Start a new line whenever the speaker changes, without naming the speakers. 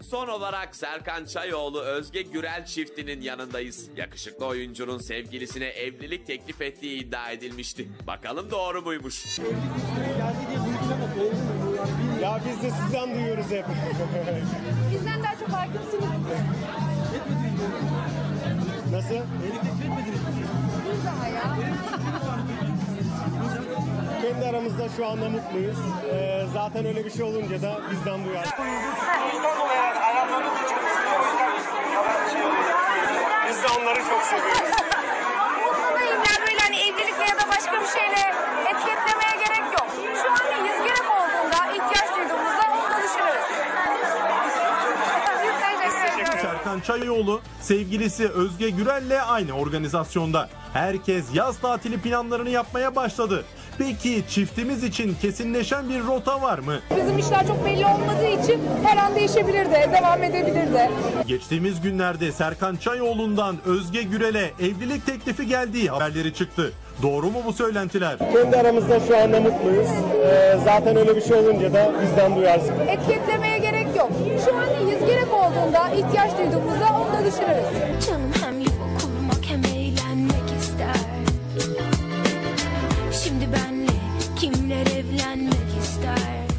Son olarak Serkan Çayoğlu Özge Gürel çiftinin yanındayız. Yakışıklı oyuncunun sevgilisine evlilik teklif ettiği iddia edilmişti. Bakalım doğru muymuş?
Ya biz de sizden duyuyoruz hep.
Bizden daha çok hakimsiniz.
Nasıl?
Biz daha ya.
Kendi aramızda şu anda mutluyuz. Zaten öyle bir şey olunca da bizden duyar. Biz de onları çok seviyoruz.
Yani böyle hani evlilikle ya da başka bir şeyle etiketlemeye gerek yok. Şu an neyiz? Gerek olduğunda, ihtiyaç duyduğumuzda onu da düşünürüz. Biz teşekkür ederiz.
Serkan Çayoğlu sevgilisi Özge Gürel'le aynı organizasyonda. Herkes yaz tatili planlarını yapmaya başladı. Peki çiftimiz için kesinleşen bir rota var mı?
Bizim işler çok belli olmadığı için her an değişebilir de, devam edebilir de.
Geçtiğimiz günlerde Serkan Çayoğlu'ndan Özge Gürel'e evlilik teklifi geldiği haberleri çıktı. Doğru mu bu söylentiler?
Kendi aramızda şu anda mutluyuz. Zaten öyle bir şey olunca da bizden duyarsın.
Etiketlemeye gerek yok. Şu an neyiz? Gerek olduğunda, ihtiyaç duyduğumuzda onu da düşünürüz.
Canım